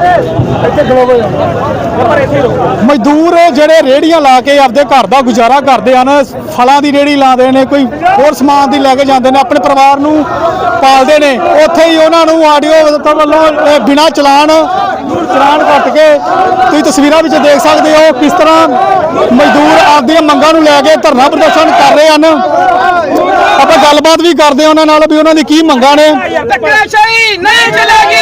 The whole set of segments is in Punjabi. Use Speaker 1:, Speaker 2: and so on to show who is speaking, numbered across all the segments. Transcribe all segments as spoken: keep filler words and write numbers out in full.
Speaker 1: मजदूर जेडे रेहड़ियां ला के आपदे घर दा गुजारा करते हैं, फलों की रेहड़ी लाते हैं, कोई होर समान की लैके जाते हैं, अपने परिवार नूं पालते हैं, उत्थे ही उन्होंने आडियो वालों बिना चलान चलान कट के तुसीं तस्वीरां विच देख सकते हो किस तरह मजदूर आपदियां मंगां नूं लैके धरना प्रदर्शन कर रहे हैं। ਆਪਾਂ ਗੱਲਬਾਤ ਵੀ ਕਰਦੇ ਉਹਨਾਂ ਨਾਲ ਵੀ ਉਹਨਾਂ ਦੀ ਕੀ ਮੰਗਾਂ ਨੇ।
Speaker 2: ਧੱਕਾਸ਼ਾਹੀ ਨਹੀਂ ਚਲੇਗੀ।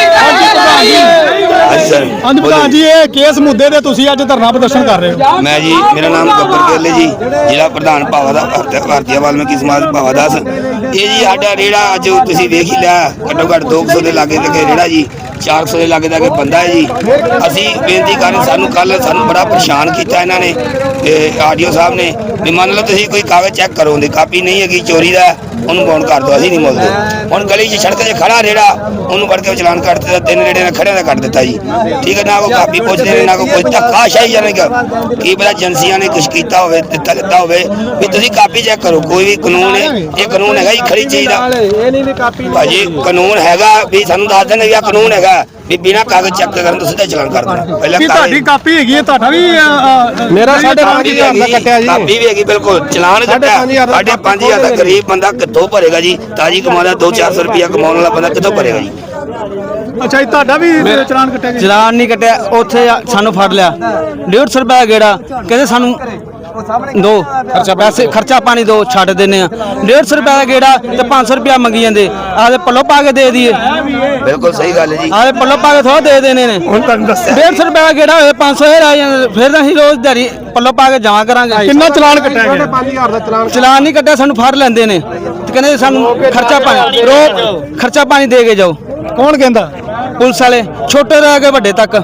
Speaker 1: ਹਾਂਜੀ ਪ੍ਰਧਾਨ ਜੀ, ਇਹ ਕਿਸ ਮੁੱਦੇ ਤੇ ਤੁਸੀਂ ਅੱਜ ਧਰਨਾ ਪ੍ਰਦਰਸ਼ਨ ਕਰ ਰਹੇ ਹੋ?
Speaker 3: ਮੈਂ ਜੀ, ਮੇਰਾ ਨਾਮ ਗੱਬਰ ਗਿੱਲ ਜੀ, ਜ਼ਿਲ੍ਹਾ ਪ੍ਰਧਾਨ ਭਾਵਾ ਦਾ ਭਾਰਤੀ ਵਾਲਮੀਕੀ ਸਮਾਜ ਭਾਵਾ ਦਾਸ। ਇਹ ਜੀ ਸਾਡਾ ਰੇੜਾ ਅੱਜ ਤੁਸੀਂ ਵੇਖ ਹੀ ਲਿਆ, ਘੱਟੋ ਘੱਟ ਦੋ ਸੌ ਦੇ ਲਾਗੇ ਤੇ ਰੇੜਾ ਜੀ, ਚਾਰ ਸੌ ਦੇ ਲਾਗੇ ਦਾ ਬੰਦਾ ਹੈ ਜੀ। ਅਸੀਂ ਬੇਨਤੀ ਕਰ ਰਹੇ, ਸਾਨੂੰ ਕੱਲ ਸਾਨੂੰ ਬੜਾ ਪਰੇਸ਼ਾਨ ਕੀਤਾ ਇਹਨਾਂ ਨੇ ਆਡੀਓ ਸਾਹਿਬ ਨੇ ਵੀ ਮੰਨ ਲਓ ਤੁਸੀਂ ਕੋਈ ਕਾਗਜ਼ ਚੈੱਕ ਕਰੋ, ਦੀ ਕਾਪੀ ਨਹੀਂ ਹੈਗੀ, ਚੋਰੀ ਦਾ, ਉਹਨੂੰ ਬੌਂਡ ਕਰ ਦਿਓ, ਅਸੀਂ ਨਹੀਂ ਮੁੱਲਦੇ। ਹੁਣ ਗਲੀ 'ਚ ਸੜਕ 'ਤੇ ਖੜਾ ਰੇੜਾ, ਉਹਨੂੰ ਫੜ ਕੇ ਚਲਾਨ ਕੱਟ ਦਿੱਤਾ, ਤਿੰਨ ਰੇੜੇ ਨੇ ਖੜਿਆਂ ਦਾ ਕੱਟ ਦਿੱਤਾ ਜੀ। ਠੀਕ ਹੈ ਨਾ, ਕੋਈ ਕਾਪੀ ਪੁੱਛਦੇ ਨੇ ਨਾ ਕੋਈ ਧੱਕਾਸ਼ਾਹੀ ਜਾਣੀ ਕੀ ਪਤਾ ਏਜੰਸੀਆਂ ਨੇ ਕੁਛ ਕੀਤਾ ਹੋਵੇ, ਦਿੱਤਾ ਦਿੱਤਾ ਹੋਵੇ ਵੀ ਤੁਸੀਂ ਕਾਪੀ ਚੈੱਕ ਕਰੋ। ਕੋਈ ਵੀ ਕਾਨੂੰਨ ਹੈ, ਇਹ ਕਾਨੂੰਨ ਹੈਗਾ ਜੀ ਖੜੀ ਚੀਜ਼ ਦਾ ਭਾਜੀ, ਕਾਨੂੰਨ ਹੈਗਾ ਵੀ ਸਾਨੂੰ ਦੱਸ ਦੇਣ ਵੀ ਆਹ ਕਾਨੂੰਨ ਹੈਗਾ ਵੀ ਬਿਨਾਂ ਕਾਗਜ਼ ਚੈੱਕ ਕਰਨ ਤੋਂ ਸਿੱਧਾ ਚਲਾਨ ਕਰ ਦੇਣਾ। ਪਹਿਲਾਂ
Speaker 1: ਤੁਹਾਡੀ ਕਾਪੀ ਹੈਗੀ ਹੈ, ਤੁਹਾਡਾ ਵੀ
Speaker 3: ਮੇਰਾ ਸਾਢੇ ਪੰਜ ਹਜ਼ਾਰ ਦਾ ਕੱਟਿਆ ਜੀ, ਕਾਪੀ ਵੀ ਹੈਗੀ ਬਿਲਕੁਲ, ਚਲਾਨ ਕੱਟਿਆ ਸਾਢੇ ਪੰਜ ਹਜ਼ਾਰ ਦਾ। ਗਰੀਬ ਬੰਦਾ ਕਿੱਥੋਂ ਭਰੇਗਾ ਜੀ, ਤਾਜੀ ਕਮਾਉਂਦਾ ਦੋ ਚਾਰ ਸੌ ਰੁਪਇਆ ਕਮਾਉਣ ਵਾਲਾ ਬੰਦਾ ਕਿੱਥੋਂ ਭਰੇਗਾ ਜੀ।
Speaker 1: ਅੱਛਾ ਜੀ, ਤੁਹਾਡਾ ਵੀ ਚਲਾਨ ਕੱਟਿਆ ਜੀ?
Speaker 4: ਚਲਾਨ ਨਹੀਂ ਕੱਟਿਆ, ਉੱਥੇ ਸਾਨੂੰ ਫੜ ਲਿਆ, ਡੇਢ ਸੌ ਰੁਪਇਆ ਗੇੜਾ, ਕਹਿੰਦੇ ਸਾਨੂੰ ਦੋ ਖਰਚਾ ਪੈਸੇ ਖਰਚਾ ਪਾਣੀ ਦੋ ਛੱਡ ਦਿੰਦੇ ਆ। ਡੇਢ ਸੌ ਰੁਪਇਆ ਦਾ ਗੇੜਾ ਤੇ ਪੰਜ ਸੌ ਰੁਪਇਆ ਮੰਗੀ ਜਾਂਦੇ, ਆਦੇ ਪੱਲੋ ਪਾ ਕੇ ਦੇ ਦਈਏ।
Speaker 3: ਬਿਲਕੁਲ ਸਹੀ ਗੱਲ ਹੈ ਜੀ,
Speaker 4: ਆਦੇ ਪੱਲੋ ਪਾ ਕੇ ਥੋੜਾ ਦੇ ਦੇਣੇ ਨੇ। ਹੁਣ ਤੁਹਾਨੂੰ ਦੱਸਿਆ ਡੇਢ ਸੌ ਰੁਪਇਆ ਦਾ ਗੇੜਾ ਹੋਏ ਪੰਜ ਸੌ ਰਹਿ ਜਾਂਦੇ, ਫਿਰ ਅਸੀਂ ਰੋਜ਼ ਦਿਹਾੜੀ ਪੱਲੋ ਪਾ ਕੇ ਜਮਾ ਕਰਾਂਗੇ।
Speaker 1: ਕਿੰਨਾ ਚਲਾਨ ਕੱਟਿਆ ਗਿਆ?
Speaker 5: ਪੰਜ ਹਜ਼ਾਰ ਦਾ ਚਲਾਨ
Speaker 4: ਚਲਾਨ ਨਹੀਂ ਕੱਟਿਆ, ਸਾਨੂੰ ਫੜ ਲੈਂਦੇ ਨੇ ਤੇ ਕਹਿੰਦੇ ਸਾਨੂੰ ਖਰਚਾ ਪਾਣੀ ਰੋ ਖਰਚਾ ਪਾਣੀ ਦੇ ਕੇ ਜਾਓ।
Speaker 1: ਕੌਣ ਕਹਿੰਦਾ?
Speaker 4: ਪੁਲਿਸ ਵਾਲੇ, ਛੋਟੇ ਤੋਂ ਲੈ ਕੇ ਵੱਡੇ ਤੱਕ।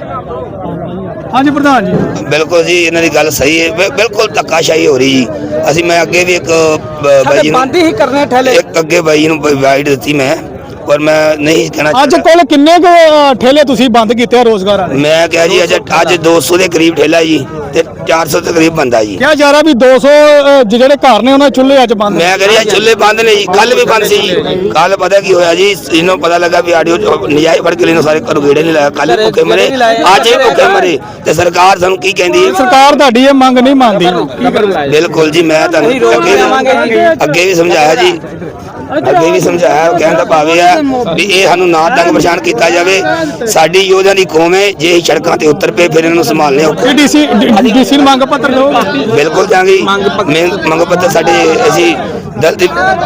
Speaker 1: ਹਾਂਜੀ ਪ੍ਰਧਾਨ ਜੀ,
Speaker 3: ਬਿਲਕੁਲ ਜੀ, ਇਹਨਾਂ ਦੀ ਗੱਲ ਸਹੀ ਹੈ, ਬਿਲਕੁਲ ਧੱਕਾਸ਼ਾਹੀ ਹੋ ਰਹੀ ਜੀ। ਅਸੀਂ ਮੈਂ ਅੱਗੇ ਵੀ ਇੱਕ ਬਾਈ ਨੂੰ
Speaker 4: ਬੰਦ ਹੀ ਕਰਨੇ ਠੇਲੇ,
Speaker 3: ਇੱਕ ਅੱਗੇ ਬਾਈ ਨੂੰ ਵਾਈਡ ਦਿੱਤੀ ਮੈਂ, ਪਰ ਮੈਂ ਨਹੀਂ ਕਹਿਣਾ
Speaker 1: ਅੱਜ ਕੋਲ ਕਿੰਨੇ ਕੁ ਠੇਲੇ ਤੁਸੀਂ ਬੰਦ ਕੀਤੇ ਰੋਜ਼ਗਾਰ ਵਾਲੇ?
Speaker 3: ਮੈਂ ਕਿਹਾ ਜੀ ਅੱਜ ਅੱਜ ਦੋ ਸੌ ਦੇ ਕਰੀਬ ਠੇਲਾ ਜੀ ਤੇ ਚਾਰ ਸੌ ਦੇ ਕਰੀਬ ਬੰਦਾ ਜੀ।
Speaker 1: ਕਿਹਾ ਜਾ ਰਿਹਾ ਵੀ ਦੋ ਸੌ ਜਿਹੜੇ ਘਰ ਨੇ ਉਹਨਾਂ ਚੁੱਲ੍ਹੇ ਅੱਜ ਬੰਦ।
Speaker 3: ਮੈਂ ਕਹਿੰਦਾ ਚੁੱਲ੍ਹੇ ਬੰਦ ਨੇ ਜੀ, ਕੱਲ ਵੀ ਬੰਦ ਸੀ ਜੀ। ਕੱਲ ਪਤਾ ਕੀ ਹੋਇਆ ਜੀ, ਇਹਨੂੰ ਪਤਾ ਲੱਗਾ ਵੀ ਆਡੀਓ ਨਜਾਇਜ਼ ਫੜ ਕੇ ਲੈਣੋਂ ਸਾਰੇ ਘਰੋਂ ਗੇੜੇ ਨਹੀਂ ਲਾਇਆ, ਕੱਲ ਭੁੱਖੇ ਮਰੇ, ਅੱਜ ਵੀ ਭੁੱਖੇ ਮਰੇ। ਤੇ ਸਰਕਾਰ ਸਾਨੂੰ ਕੀ ਕਹਿੰਦੀ ਹੈ?
Speaker 1: ਸਰਕਾਰ ਤੁਹਾਡੀ ਇਹ ਮੰਗ ਨਹੀਂ ਮੰਨਦੀ।
Speaker 3: ਬਿਲਕੁਲ ਜੀ, ਮੈਂ ਤੁਹਾਨੂੰ ਅੱਗੇ ਅੱਗੇ ਵੀ ਸਮਝਾਇਆ ਜੀ, ਅੱਗੇ ਵੀ ਸਮਝਾਇਆ, ਕਹਿਣ ਦਾ ਭਾਵ ਇਹ ਹੈ ਵੀ ਇਹ ਸਾਨੂੰ ਨਾ ਤੰਗ ਪਰੇਸ਼ਾਨ ਕੀਤਾ ਜਾਵੇ। ਸਾਡੀ ਯੋਧਿਆਂ ਦੀ ਕੌਮ ਹੈ, ਜੇ ਇਹ ਸੜਕਾਂ ਤੇ ਉਤਰ ਪਏ ਫਿਰ ਇਹਨਾਂ ਨੂੰ ਸੰਭਾਲਣੇ ਔਖੇ।
Speaker 1: ਡੀਸੀ ਡੀਸੀ ਨੂੰ ਮੰਗ ਪੱਤਰ ਦਿਓ।
Speaker 3: ਬਿਲਕੁਲ ਦਾਂਗੇ ਮੰਗ ਪੱਤਰ। ਸਾਡੇ ਅਸੀਂ ਦਲਿਤ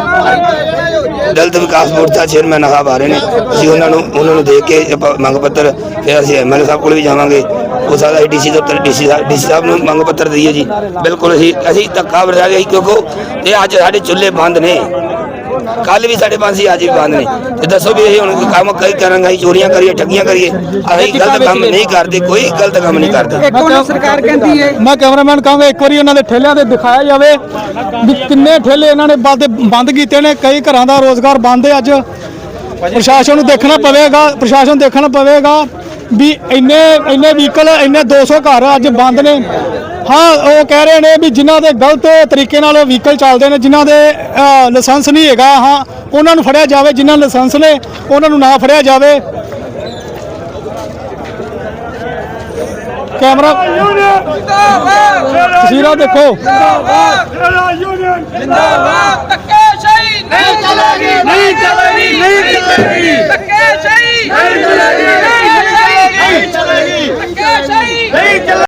Speaker 3: ਦਲਿਤ ਵਿਕਾਸ ਬੋਰਡ ਦਾ ਚੇਅਰਮੈਨ ਸਾਹਿਬ ਆ ਰਹੇ ਨੇ, ਅਸੀਂ ਉਹਨਾਂ ਨੂੰ ਉਹਨਾਂ ਨੂੰ ਦੇਖ ਕੇ ਮੰਗ ਪੱਤਰ, ਫਿਰ ਅਸੀਂ ਐਮ ਐਲ ਏ ਸਾਹਿਬ ਕੋਲ ਵੀ ਜਾਵਾਂਗੇ, ਉਹ ਸਾਡਾ ਡੀਸੀ ਦੇ ਉੱਤਰ ਡੀਸੀ ਸਾਹਿਬ ਡੀਸੀ ਸਾਹਿਬ ਨੂੰ ਮੰਗ ਪੱਤਰ ਦਈਏ ਜੀ। ਬਿਲਕੁਲ ਅਸੀਂ ਅਸੀਂ ਧੱਕਾ ਵਰਤਾ ਗਏ ਕਿਉਂਕਿ ਇਹ ਅੱਜ ਸਾਡੇ ਚੁੱਲ੍ਹੇ ਬੰਦ ਨੇ, ਕੱਲ ਵੀ ਸਾਡੇ ਪੰਜ ਸੀ, ਅੱਜ ਵੀ ਬੰਦ ਨੇ। ਤੇ ਦੱਸੋ ਵੀ ਇਹ ਹੁਣ ਕੰਮ ਕਈ ਕਰਾਂਗੇ, ਅਸੀਂ ਚੋਰੀਆਂ ਕਰੀਏ, ਠੱਗੀਆਂ ਕਰੀਏ? ਅਸੀਂ ਗਲਤ ਕੰਮ ਨਹੀਂ ਕਰਦੇ, ਕੋਈ ਗਲਤ ਕੰਮ ਨਹੀਂ ਕਰਦੇ।
Speaker 4: ਸਰਕਾਰ ਕਹਿੰਦੀ ਹੈ,
Speaker 1: ਮੈਂ ਕੈਮਰਾਮੈਨ ਕਹਾਂਗਾ ਇੱਕ ਵਾਰੀ ਉਹਨਾਂ ਦੇ ਠੇਲਿਆਂ ਤੇ ਦਿਖਾਇਆ ਜਾਵੇ ਵੀ ਕਿੰਨੇ ਠੇਲੇ ਇਹਨਾਂ ਨੇ ਬੰਦ ਬੰਦ ਕੀਤੇ ਨੇ। ਕਈ ਘਰਾਂ ਦਾ ਰੋਜ਼ਗਾਰ ਬੰਦ ਹੈ। ਅੱਜ ਪ੍ਰਸ਼ਾਸਨ ਨੂੰ ਦੇਖਣਾ ਪਵੇਗਾ, ਪ੍ਰਸ਼ਾਸਨ ਦੇਖਣਾ ਪਵੇਗਾ ਵੀ ਇੰਨੇ ਇੰਨੇ ਵਹੀਕਲ, ਇੰਨੇ ਦੋ ਸੌ ਘਰ ਅੱਜ ਬੰਦ ਨੇ। ਹਾਂ, ਉਹ ਕਹਿ ਰਹੇ ਨੇ ਵੀ ਜਿਨ੍ਹਾਂ ਦੇ ਗਲਤ ਤਰੀਕੇ ਨਾਲ ਵਹੀਕਲ ਚੱਲਦੇ ਨੇ, ਜਿਨ੍ਹਾਂ ਦੇ ਲਾਇਸੈਂਸ ਨਹੀਂ ਹੈਗਾ, ਹਾਂ ਉਹਨਾਂ ਨੂੰ ਫੜਿਆ ਜਾਵੇ, ਜਿਨ੍ਹਾਂ ਲਾਇਸੈਂਸ ਨੇ ਉਹਨਾਂ ਨੂੰ ਨਾ ਫੜਿਆ ਜਾਵੇ। ਕੈਮਰਾ ਤਸਵੀਰਾਂ ਦੇਖੋ।
Speaker 2: ਧੱਕਾਸ਼ਾਹੀ ਨਹੀਂ ਚਲੇਗੀ, ਨਹੀਂ ਚਲੇਗੀ, ਨਹੀਂ ਚਲੇਗੀ, ਧੱਕਾਸ਼ਾਹੀ ਨਹੀਂ ਚਲੇਗੀ।